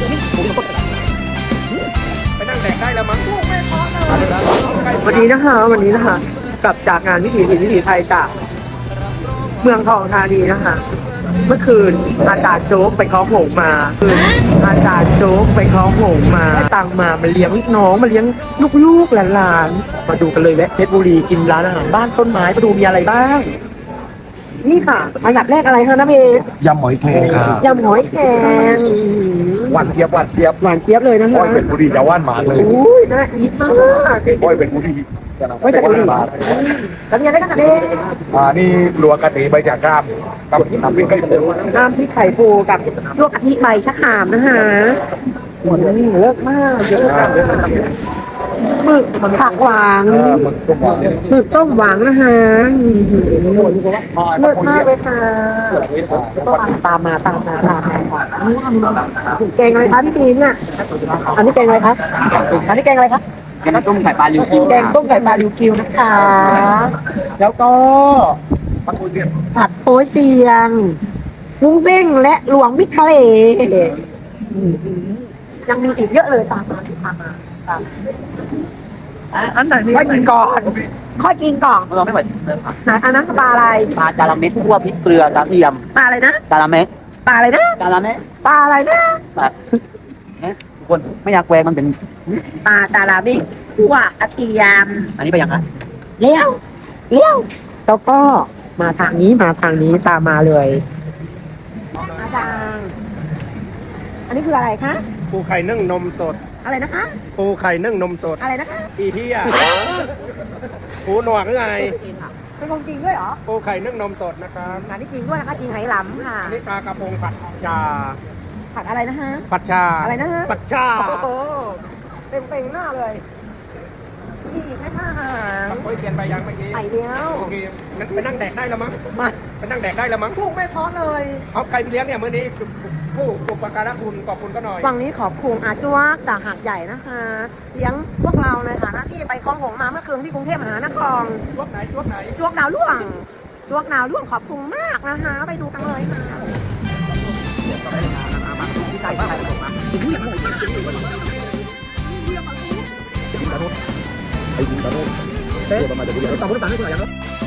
ไปนั่งแดกได้แล้วมั้งวันนี้นะคะกลับจากงานวิถีไทยจากเมืองทองธานีนะคะ เมื่อคืนอาจารย์โจ๊กไปเคาะหงมาอาจารย์โจ๊กไปเคาะหงมาตังมาเลี้ยงน้องมาเลี้ยงลูกๆหลานๆมาดูกันเลยแวะเพชรบุรีกินร้านอาหารบ้านต้นไม้มาดูมีอะไรบ้าง นี่ค่ะอันดับแรกอะไรคะน้าเมย์ยำหอยแครงครับยำหอยแครงหวานเจี๊ยบหวานเจี๊ยบเลยนะคะอ้อยเป็นบุรีจะว่านหมากเลยอุ้ยน่าอีทมากอ้อยเป็นบุรีไม่เป็นไรแล้วมีอะไรกันคะเด็กนี่รัวกะทิใบจากกรามกับน้ำพริกไก่ปูน้ำพริกไข่ปูกับลวกกะทิใบชะขามนะคะเลิศมากเยอะมากหมึกผักหวานหมึกต้มหวานหมึกต้มหวานนะคะเลิศมากเลยค่ะตามมาแกงอะไรคะพี่ปีนอ่ะอันนี้แกงอะไรคะอันนี้แกงอะไรคะแกงต้มไข่ปลาลิวกิวแกงต้มไก่ปลาลิวกิวนะคะ แล้วก็ผัดโป๊ยเซียงวุ้งเส้งและหลวงมิตรทะเลยังมีอีกเยอะเลยตามมาอันไหนค่อยกินก่อนเราไม่ไหวเลยค่ะไหนอันนั้นปลาอะไรปลาจาระเม็ดคั่วพริกเกลือกระเทียมปลาอะไรนะจาระเม็ดปลาอะไรนะจาระเม็ดปลาอะไรนะปลาทุกคนไม่อยากแกวงมันเป็นปลาตาลาบิคั่วกระเทียมอันนี้ไปยังคะเลี้ยวแล้วก็มาทางนี้ตามมาเลยอาจารย์อันนี้คืออะไรคะปูไข่นึ่งนมสดอะไรนะคะปูไข่นึ่งนมสดอะไรนะคะอีที่อ่ะปูหนวกหรือไงเป็นของจริงด้วยเหรอปูไข่นึ่งนมสดนะครับอันนี้จริงด้วยนะคะจริงไหหลำค่ะอันนี้ปลากระพงผัดชาผัดอะไรนะฮะผัดชาอะไรนะฮะผัดชาโอ้โหเต็มหน้าเลยนี่แค่อาหารโอ้ยเปลี่ยนไปยังเมื่อกี้ไข่เดียวโอเคงั้นไปนั่งแดกได้แล้วมั้งมาไปนั่งแดกได้แล้วมั้งถูกไม่พอเลยเอาใครไปเลี้ยงเนี่ยมื้อนี้ผู้อุปการะคุณขอบคุณก็หน่อยฝั่งนี้ขอบคุณอาจวกจากหาดใหญ่นะคะเลี้ยงพวกเราในฐานะที่ไปคลองหงมาเมื่อคืนที่กรุงเทพมหานครช่วงไหนจวกดาวล่วงขอบคุณมากนะคะไปดูกันเลยค่ะไอ้ยิงตาโร่เดี๋ยวประมาณเดี๋ยวกูเดี๋ยวตาโร่ตาไม่กูหน่อยยัง